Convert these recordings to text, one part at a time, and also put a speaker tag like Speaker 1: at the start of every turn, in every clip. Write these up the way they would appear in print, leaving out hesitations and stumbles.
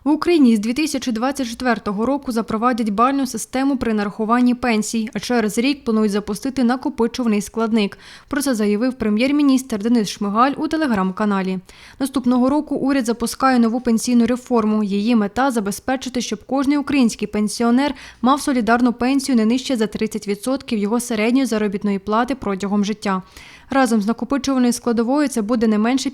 Speaker 1: В Україні з 2024 року запровадять бальну систему при нарахуванні пенсій, а через рік планують запустити накопичувальний складник. Про це заявив прем'єр-міністр Денис Шмигаль у телеграм-каналі. Наступного року уряд запускає нову пенсійну реформу. Її мета – забезпечити, щоб кожний український пенсіонер мав солідарну пенсію не нижче за 30% його середньої заробітної плати протягом життя. Разом з накопичувальною складовою це буде не менше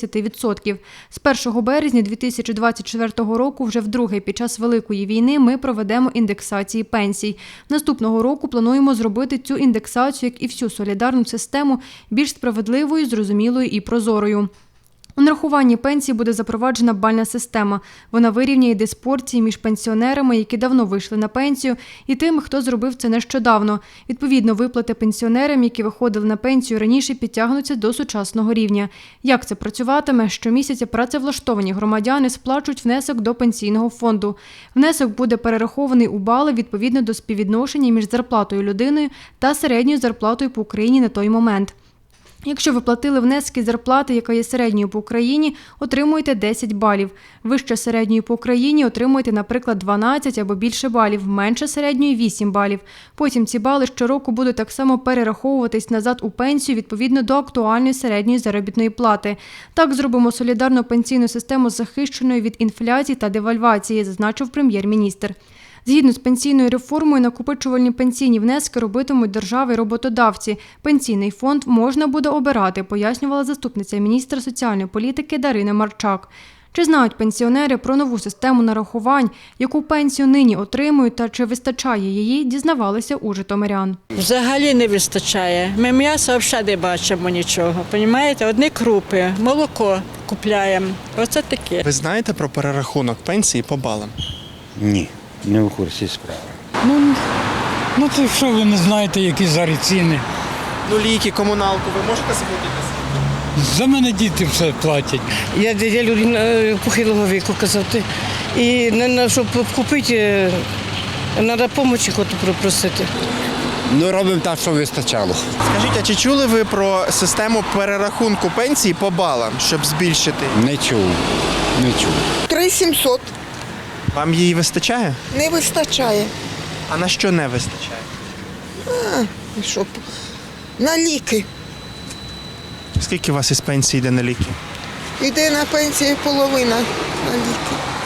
Speaker 1: 50%. З 1 березня 2024 року, вже вдруге під час Великої війни, ми проведемо індексації пенсій. Наступного року плануємо зробити цю індексацію, як і всю солідарну систему, більш справедливою, зрозумілою і прозорою. У нарахуванні пенсій буде запроваджена бальна система. Вона вирівняє диспорції між пенсіонерами, які давно вийшли на пенсію, і тими, хто зробив це нещодавно. Відповідно, виплати пенсіонерам, які виходили на пенсію раніше, підтягнуться до сучасного рівня. Як це працюватиме? Щомісяця працевлаштовані громадяни сплачують внесок до пенсійного фонду. Внесок буде перерахований у бали відповідно до співвідношення між зарплатою людини та середньою зарплатою по Україні на той момент. Якщо ви платили внески з зарплати, яка є середньою по Україні, отримуєте 10 балів. Вище середньої по Україні отримуєте, наприклад, 12 або більше балів, менше середньої – 8 балів. Потім ці бали щороку будуть так само перераховуватись назад у пенсію відповідно до актуальної середньої заробітної плати. Так зробимо солідарну пенсійну систему захищеною від інфляції та девальвації, зазначив прем'єр-міністр. Згідно з пенсійною реформою, накопичувальні пенсійні внески робитимуть держави і роботодавці. Пенсійний фонд можна буде обирати, пояснювала заступниця міністра соціальної політики Дарина Марчак. Чи знають пенсіонери про нову систему нарахувань, яку пенсію нині отримують та чи вистачає її, дізнавалися у житомирян.
Speaker 2: Взагалі не вистачає. Ми м'ясо взагалі не бачимо нічого. Понімаєте? Одні крупи, молоко купляємо. Оце таке.
Speaker 3: Ви знаєте про перерахунок пенсії по балам?
Speaker 4: Ні, не в курсі справи.
Speaker 5: Ну то що ви не знаєте, які зараз ціни?
Speaker 3: Ну, ліки, комуналку ви можете заплатити?
Speaker 5: За мене діти все платять.
Speaker 6: Я людина похилого віку казати. І щоб купити, треба допомогу просити.
Speaker 4: Ну, робимо так, щоб вистачало.
Speaker 3: Скажіть, а чи чули ви про систему перерахунку пенсії по балам, щоб збільшити?
Speaker 4: Не чув.
Speaker 7: 3700
Speaker 3: Вам її вистачає?
Speaker 7: не вистачає.
Speaker 3: А на що не вистачає?
Speaker 7: Щоб на ліки.
Speaker 3: Скільки у вас із пенсії йде на ліки?
Speaker 7: Йде на пенсію половина на ліки.